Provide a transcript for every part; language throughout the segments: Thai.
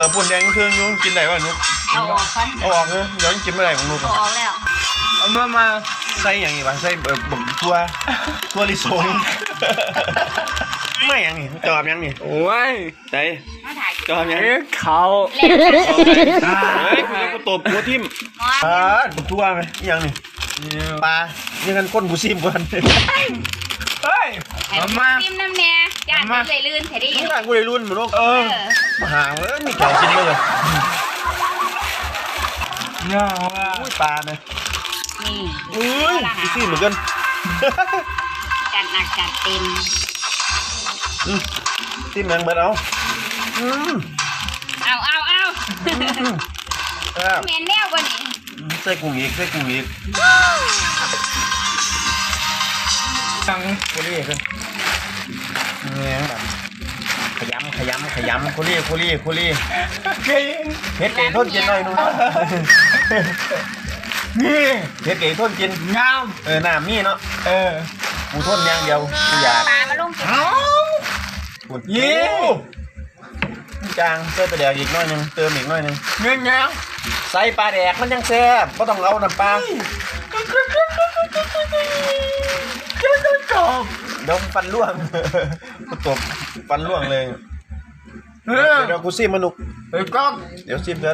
ปุ่นแดงเครื่องยุ่งกินได้ป่ะนุ๊กเอาออกก่อนเอาออกเลยเดี๋ยวกินไม่ได้ของนุ๊กเอาออกแล้วเอามาใส่อย่างนี้ป่ะใส่บ่มตัวลิสงไม่อย่างนี้จอบอย่างนี้โอ้ยใส่จอบอย่างนี้เขาเฮ้ยกูตบหัวทิ่มบุกตัวไหมอย่างนี้ปลานี่กันก้นบุซิมก่อนเฮ้ยมาซิมน้ำเนี่ยย่านมันเลยลื่นแถดีย่านกูเลยลื่นเหมือนลูกมาหาเลยมีแก่กินเลยเนี่ยอุ้ยปลาเนี่ยนี่อุ้ยบุซิมเหมือนกันจัดหนักจัดเต็มซิมแมงเบิดเอาเมนแนวกว่านี้ใส่กุ้งอีกตั้งโคลี่กันเนี่ยแบบขยำโคลี่เฮ็ดเก๋ทนกินหน่อยนู้นนี่เฮ็ดเก๋ทนกินงามน้ำนี่เนาะกูทนอย่างเดียวกูอยากปลามาลงกินปวดยี่จางเติมปลาแดกอีกน้อยนึงเติมอีกน้อยนึงเงี้ยใส่ปลาแดกมันยังแซ่บก็ต้องเอาน้ำปลาเดี๋ยวฟันร่วงตบฟันร่วงเลยเดี๋ยวกูซิมมานุกเดี๋ยวซิมกัน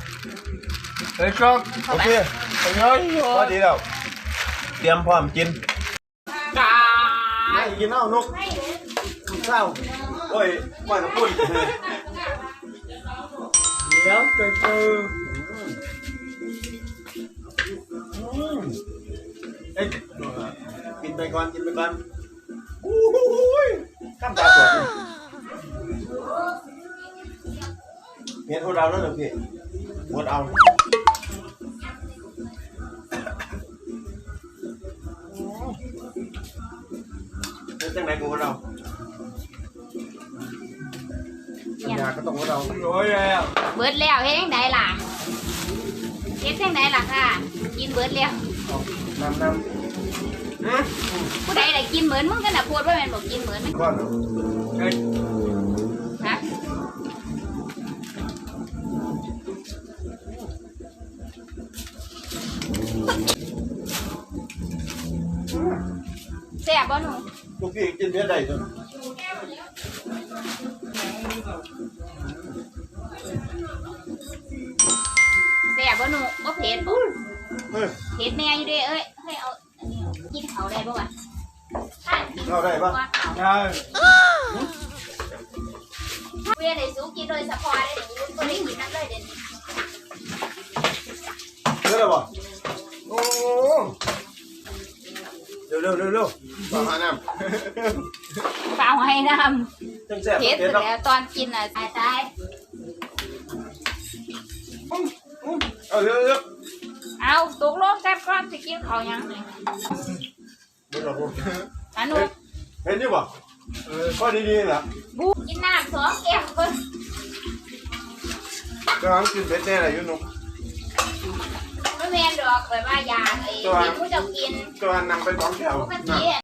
โอเคพอดีแล้วเตรียมพร้อมกินไม่กินเอานุกเศร้าโอ้ยปล่อยกับปุ่นเดี๋ยวเจอกินไปก่อนอู้ยข้ามตาสวยเห็นหัวเราแล้วเหรอพี่หัวเอาเป็นจังไหนกูหัวเราอยากก็ต้องหัวเราโอ้ยแล้วเบิดแล้วเฮ็ดจังไดล่ะค่ะกินเบิดแล้วน้ำผู้ใดได้กินเหมือนมึงกันน่ะพูดว่าแม่นบอกกินเหมือนก้อนฮะแซ่บบ่หนูลูกพี่กินเยอะได้จนแซ่บบ่หนูบ่เผ็ดปุ๊บเผ็ดแม่อยู่เด้เอ้ยให้เอาอันนี้กินเขาได้บ่วะเราได้ปะได้เวียนได้สู้กินโดยเฉพาะได้หนูบ่ได้กินนั่นเลยเด่นเยอะเลยปะโอ้เร็วปลาน้ำปลาให้น้ำเผ็ดแล้วตอนกินอ่ะตายเอาเร็วเอาตกลงกันก่อนจะกินเขายังอันนู้นเห็นอยู่ปะข้อดีๆนะบูกินน้ำ2 แก้วเพิ่นก็ต้องกินเผ็ดแน่เลยยุ่นุ๊กไม่แม่นดอกแบบว่ายาไอ้ที่ผู้เจ้ากินก็นำไป2 แก้ว